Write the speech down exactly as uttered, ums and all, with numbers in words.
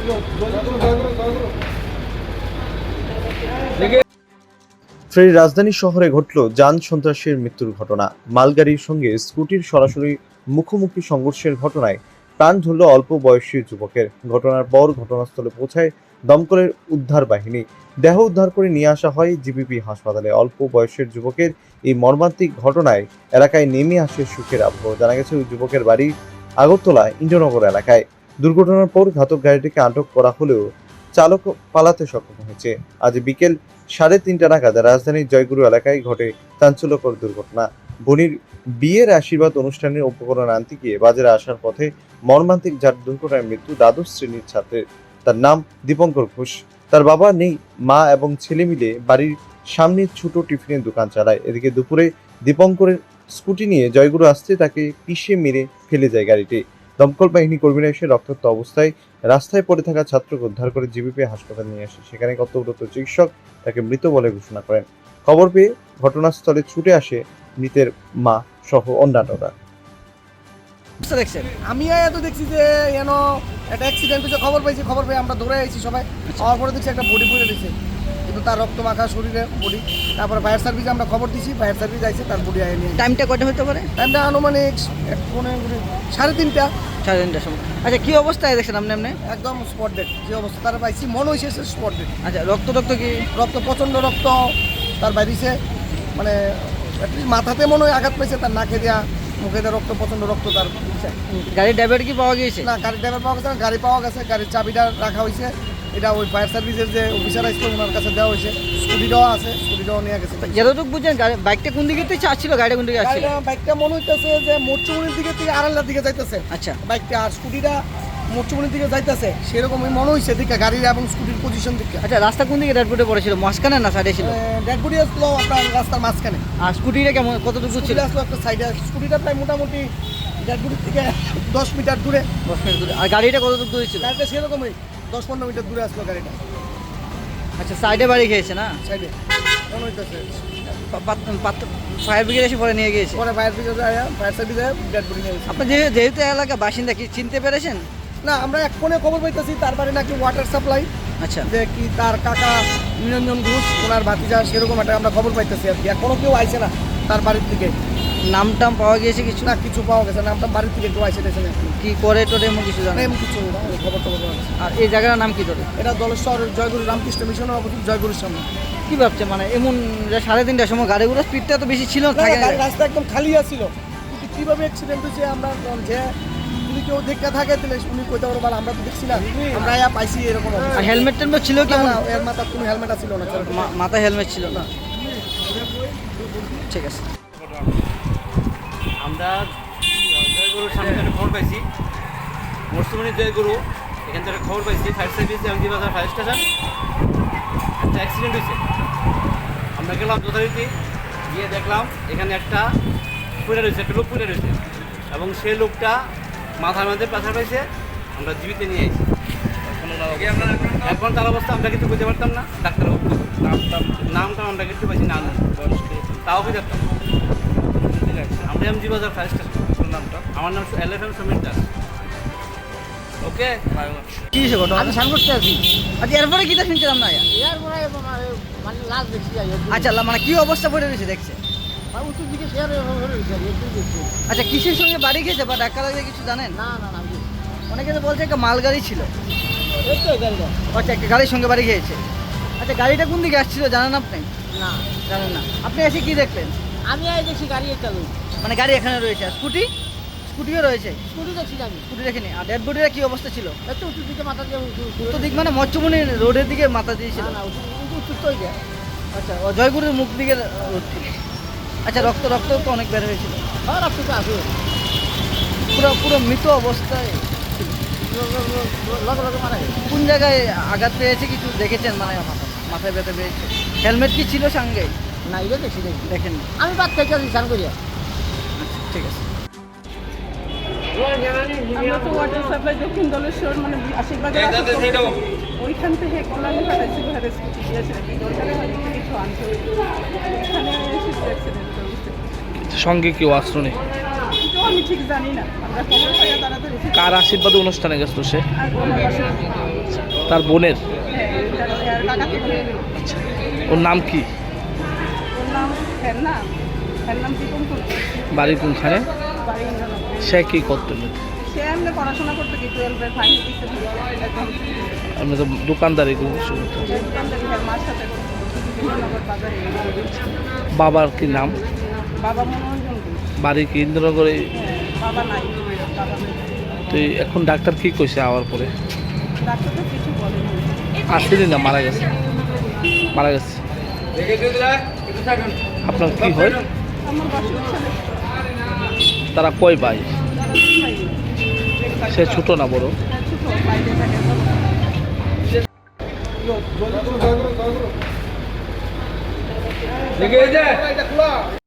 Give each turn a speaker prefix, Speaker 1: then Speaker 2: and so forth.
Speaker 1: ফের রাজধানী শহরে ঘটল যান সন্ত্রাসের মৃত্যুর ঘটনা। মালগাড়ির সঙ্গে স্কুটির সরাসরি মুখোমুখি সংঘর্ষের ঘটনায় প্রাণ ধরল অল্প বয়সী যুবকের। ঘটনার পর ঘটনাস্থলে পৌঁছায় দমকলের উদ্ধার বাহিনী। দেহ উদ্ধার করে নিয়ে আসা হয় জিবিপি হাসপাতালে। অল্প বয়সের যুবকের এই মর্মান্তিক ঘটনায় এলাকায় নেমে আসে সুখের আবহ। জানা গেছে ওই যুবকের বাড়ি আগরতলা ইন্দ্রনগর এলাকায়। দুর্ঘটনার পর ঘাতক গাড়িটিকে আটক করা হলেও চালক পালাতে সক্ষম হয়েছে। আজ বিকেল সাড়ে তিনটা নাগাদ রাজধানীর জয়গুরু এলাকায় ঘটে চাঞ্চল্যকর দুর্ঘটনা। বোনের বিয়ের আশীর্বাদ অনুষ্ঠানের উপকরণ আনতে গিয়ে বাজারে আসার পথে মর্মান্তিক যার দুর্ঘটনায় মৃত্যু দ্বাদশ শ্রেণীর ছাত্রের। তার নাম দীপঙ্কর ঘোষ। তার বাবা নেই, মা এবং ছেলে মিলে বাড়ির সামনে ছোট টিফিনের দোকান চালায়। এদিকে দুপুরে দীপঙ্করের স্কুটি নিয়ে জয়গুরু আসতে তাকে পিষে মেরে ফেলে যায় গাড়িটি। দমকল বাহিনী কর্মীরা এসে রক্তাক্ত অবস্থায় রাস্তায় পড়ে থাকা ছাত্রকে উদ্ধার করে জিবিপি হাসপাতালে নিয়ে আসে। সেখানে কর্তব্যরত চিকিৎসক তাকে মৃত বলে ঘোষণা করেন। খবর পেয়ে ঘটনাস্থলে ছুটে আসে মৃতের মা সহ অন্যান্যরা।
Speaker 2: আমি এত দেখছি যে যেন একটা অ্যাক্সিডেন্ট হয়েছে, খবর পাইছি। খবর পেয়ে আমরা দৌড়ে আইছি সবাই। আমার পরে দেখছি একটা বডি পড়ে দিয়েছে, কিন্তু তার রক্ত মাখা শরীরে বডি। তারপরে ফায়ার সার্ভিসে আমরা খবর দিছি, ফায়ার সার্ভিস আইছে, তার বডি আয় নিয়ে।
Speaker 3: টাইমটা কটা হতে পারে?
Speaker 2: টাইমটা আনুমানিক সাড়ে তিনটা
Speaker 3: সাড়ে তিনটার সময়। আচ্ছা, কি অবস্থায় দেখছেন আপনি? আপনি
Speaker 2: একদম স্পট ডেট যে অবস্থা তার পাইছি, মনে হয়েছে স্পট ডেট।
Speaker 3: আচ্ছা, রক্ত রক্ত কি?
Speaker 2: রক্ত প্রচণ্ড রক্ত তার বাইরেছে, মানে মাথাতে মনে হয় আঘাত পেয়েছে, তার নাকে দেওয়া, মুখে দেওয়া রক্ত, প্রচণ্ড রক্ত তার।
Speaker 3: গাড়ির ড্রাইভার কি পাওয়া গিয়েছে?
Speaker 2: না, গাড়ির ড্রাইভার পাওয়া গেছে না, গাড়ি পাওয়া গেছে, গাড়ির চাবিটা রাখা হয়েছে। এটা ওই ফায়ার সার্ভিসের যে অফিসার আসছে ওনার কাছে দেওয়া হয়েছে। স্কুটিটাও আছে, স্কুটিটাও নিয়ে গেছে।
Speaker 3: যতটুকু বুঝছেন বাইকটা কোন দিকে থেকে আসছিল, গাড়িটা কোন দিকে আসছিল?
Speaker 2: বাইকটা মনে হইতেছে যে মোটচুমনির দিকে থেকে আড়াল্লার দিকে যাইতেছে।
Speaker 3: আচ্ছা,
Speaker 2: বাইকটা আর স্কুটিটা মোটচুমনির দিকে যাইতেছে, সেরকমই মনে হয়েছে দিকে গাড়ির এবং স্কুটির পজিশন দিকে।
Speaker 3: আচ্ছা, রাস্তা কোন দিকে ড্যাডবোর্ডে পড়েছিল, মাঝখানে না সাইডে ছিল?
Speaker 2: ড্যাডবোর্ডে আসলো আপনার রাস্তার মাঝখানে।
Speaker 3: আর স্কুটিটা কেমন, কতটুকু ছিল?
Speaker 2: আসলো একটা সাইডে, স্কুটিটা প্রায় মোটামুটি ড্যাডবোর্ডের থেকে দশ মিটার দূরে।
Speaker 3: দশ মিটার দূরে। আর গাড়িটা কতটুকু দূরে ছিল?
Speaker 2: গাড়িটা সেরকমই দশ পনেরো মিটার দূরে আসলো গাড়িটা।
Speaker 3: আচ্ছা, সাইডে বাড়ি খেয়েছে না?
Speaker 2: সাইডে মনে হইতেছে।
Speaker 3: ফায়ার ব্রিগেড এসে পরে নিয়ে গিয়েছে।
Speaker 2: পরে fire brigade fire service dead body নিয়ে গেছে।
Speaker 3: আপনি যেহেতু এলাকা বাসিন্দা, কি চিনতে পেরেছেন?
Speaker 2: না, আমরা এক ফোনে খবর পাইতেছি তার বাড়ি নাকি ওয়াটার সাপ্লাই।
Speaker 3: আচ্ছা,
Speaker 2: যে কি তার কাকা নিরঞ্জন ঘোষ, ওনার ভাতিজা, সেরকম একটা আমরা খবর পাইতেছি আর কি। এখনো কেউ আইছে না তার বাড়ির থেকে।
Speaker 3: নাম টাম পাওয়া গিয়েছে কিছু?
Speaker 2: না, কিছু পাওয়া গেছে না, নামটা বাড়ির থেকে কেউ আইসে গেছে না।
Speaker 3: কি করে টোরে এমন কিছু জানেন?
Speaker 2: এমন কিছু না, খবর টবর পাওয়া গেছে।
Speaker 3: আর এই জায়গাটার নাম কি তোরে?
Speaker 2: এটা দলেশ্বর জয়গুরু রামকৃষ্ণ মিশনের অবস্থিত, জয়গুরুর সামনে।
Speaker 3: কি ভাবছে মানে এমন যে সাড়ে তিনটার সময় গাড়িগুলো স্পিডটা তো বেশি ছিল থাকে?
Speaker 2: রাস্তা একদম খালি আছিল, কিন্তু কীভাবে অ্যাক্সিডেন্ট হয়েছে আমরা যে যদি কেউ দেখতে থাকে তাহলে উনি কইতে পারবো, আমরা তো দেখছি না, আমরা ইয়া পাইছি এরকম।
Speaker 3: আর হেলমেট টেলমেট ছিল কি?
Speaker 2: না, এর মাথার কোনো হেলমেট ছিল না,
Speaker 3: মাথায় হেলমেট ছিল না। ঠিক আছে,
Speaker 4: আমরা জয়গুরুর সামনে একটা খবর পাইছি, মরসুমনি জয়গুরু এখান থেকে খবর পাইছি ফায়ার সার্ভিস এমজি বাজার ফায়ার স্টেশন একটা অ্যাক্সিডেন্ট হয়েছে। আমরা গেলাম যথারীতি, গিয়ে দেখলাম এখানে একটা পুড়ে রয়েছে, একটা লোক পুড়ে রয়েছে এবং সেই লোকটা মাথার মধ্যে পাথর পাইছে। আমরা জীবিত নিয়ে এসেছি। এখন তার অবস্থা আমরা কিছু বুঝতে পারতাম না। ডাক্তার নামটা নামটা আমরা কিছু পাইছি না, তাও বুঝতাম। আমরা এমজি বাজার ফায়ার স্টেশন। নামটা আমার নাম L F M Samir Das. Okay,
Speaker 3: কি হয়েছে ঘটনা?
Speaker 2: আমি সান করতে আছি।
Speaker 3: আচ্ছা, এরপরে কিটা শুনছিলাম না?
Speaker 2: এরপরে মানে লাস্ট দেখছি।
Speaker 3: আচ্ছা, মানে কি অবস্থা পড়ে রয়েছে দেখছে?
Speaker 2: উত্তর দিকে শেয়ার হয়ে গেছে।
Speaker 3: আচ্ছা, কিসের সঙ্গে বাড়ি গেছে বা ধাক্কা লাগলে কিছু জানেন?
Speaker 2: না না না,
Speaker 3: অনেকে তো বলছে একটা মালগাড়ি ছিল।
Speaker 2: এই তো গাড়িটা।
Speaker 3: আচ্ছা, একটা গাড়ির সঙ্গে বাড়ি খেয়েছে। আচ্ছা, গাড়িটা কোন দিকে আসছিল জানেন আপনি?
Speaker 2: না,
Speaker 3: জানেন না। আপনি এসে কি দেখলেন?
Speaker 2: আমি আই দেখছি গাড়ি একটা লোক,
Speaker 3: মানে গাড়ি এখানে রয়েছে, আর স্কুটি স্কুটিও রয়েছে।
Speaker 2: স্কুটি দেখছি আমি।
Speaker 3: স্কুটি দেখিনি। আর ডেড বডির কি অবস্থা ছিল?
Speaker 2: একটু উত্তর দিকে মাথা দিয়ে
Speaker 3: উত্তর দিক মানে মচ্চমণি রোডের দিকে মাথা দিয়েছিল?
Speaker 2: না না, উত্তর তো এটা।
Speaker 3: আচ্ছা, ও জয়গুরুর মুখ দিকে রোড ছিল। আচ্ছা, রক্ত রক্ত তো অনেক বের হয়েছিল।
Speaker 2: আর আপনি তো আসুন,
Speaker 3: পুরো পুরো মৃত অবস্থায়
Speaker 2: লগে লগে মারা গেছে।
Speaker 3: কোন জায়গায় আঘাত পেয়েছে কিছু দেখেছেন? মানে মাথায় ব্যথা পেয়েছে। হেলমেট কি ছিল সঙ্গে?
Speaker 2: না, এটা দেখছি দেখি
Speaker 3: দেখেন।
Speaker 2: আমি বাদ থেকে আসি স্নান করিয়া।
Speaker 3: ঠিক আছে।
Speaker 5: আমরা তো ওয়াটার সাপ্লাই দক্ষিণ দলেশ্বর মানে আশীর্বাদের ওইখান থেকে কলানি পাঠাইছি ঘরে স্কুটি দিয়েছে দরকারে হয়তো কিছু আনতে এখানে অ্যাক্সিডেন্ট।
Speaker 6: সঙ্গে কেউ আসলো নেই?
Speaker 5: তো আমি ঠিক জানি না, আমরা খবর পাইয়া তাড়াতাড়ি
Speaker 6: কার আশীর্বাদে অনুষ্ঠানে গেছিল সে?
Speaker 5: আর
Speaker 6: তার বোনের?
Speaker 5: হ্যাঁ তার আর কাকাতে বলে
Speaker 6: ওর নাম কি?
Speaker 5: ওর নাম এর নাম এর নাম দীপন করতো
Speaker 6: বাড়ি কোনখানে?
Speaker 5: বাড়ি ইন্দ্রনগর।
Speaker 6: সে কি করতেন?
Speaker 5: সে এমনি পড়াশোনা করতে কি টুয়েলভের ফাইনাল দিচ্ছে একদম
Speaker 6: আপনি তো দোকানদারি করুন শুরু তো।
Speaker 5: দোকানদারি হ্যাঁ মার সাথে করতো ইন্দ্রনগর বাজারে।
Speaker 6: বাবার কি নাম?
Speaker 5: বাবা মনোরঞ্জন ঘোষ।
Speaker 6: বাড়ি কি ইন্দ্রনগরে?
Speaker 5: হ্যাঁ, বাবা নাই বাবা নাই।
Speaker 6: তো এখন ডাক্তার কি কইছে আওয়ার পরে?
Speaker 5: ডাক্তার তো কিছু বলেনি।
Speaker 6: আসেনি না, মারা গেছে? মারা গেছে। আপনার কি হয়?
Speaker 5: আমার বাসুর ছেলে
Speaker 6: তারা কয় ভাই?
Speaker 5: তারা দুই ভাই।
Speaker 6: সে ছোট না বড়?
Speaker 5: ছোট বাইরে থাকে
Speaker 2: দেখে এই যে এটা খোলা